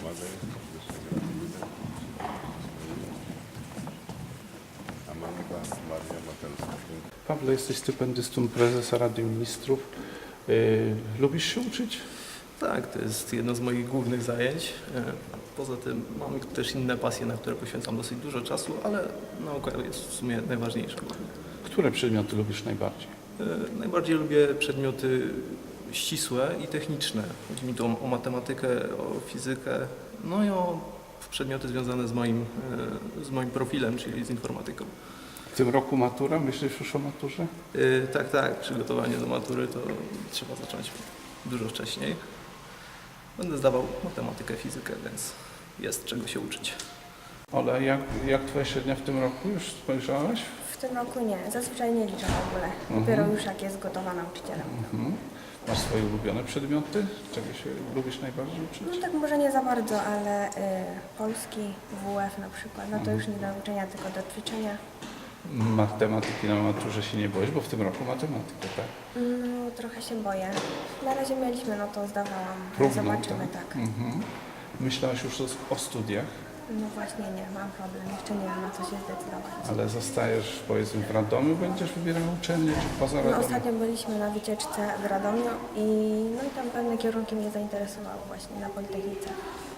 Pawle, serdecznie gratuluję. A Monika Maria Matelska. Pawle, jesteś stypendystą prezesa Rady Ministrów. Lubisz się uczyć? Tak, to jest jedno z moich głównych zajęć. Poza tym mam też inne pasje, na które poświęcam dosyć dużo czasu, ale nauka jest w sumie najważniejsza. Które przedmioty lubisz najbardziej? Najbardziej lubię przedmioty ścisłe i techniczne. Chodzi mi tu o matematykę, o fizykę, no i o przedmioty związane z moim profilem, czyli z informatyką. W tym roku matura? Myślisz już o maturze? Tak, przygotowanie do matury to trzeba zacząć dużo wcześniej. Będę zdawał matematykę, fizykę, więc jest czego się uczyć. Ola, jak twoja średnia w tym roku? Już spojrzałaś? W tym roku nie, zazwyczaj nie liczę w ogóle. Dopiero już jak jest gotowa nauczycielem. Masz swoje ulubione przedmioty? Czego się lubisz najbardziej No uczyć? tak może nie za bardzo, ale polski, WF na przykład, no to już nie do uczenia, tylko do ćwiczenia. Matematyki na maturze się nie boisz, bo w tym roku matematykę, tak? No trochę się boję. Na razie mieliśmy, no to zdawałam. Równą, Zobaczymy, tak. Myślałaś już o studiach, No właśnie nie, mam problem. Jeszcze nie wiem, na co się zdecydować. ale zostajesz, powiedzmy, w Radomiu, będziesz wybierała uczelnię, czy poza No, Radomiem? ostatnio byliśmy na wycieczce w Radomiu i tam pewne kierunki mnie zainteresowały właśnie na Politechnice.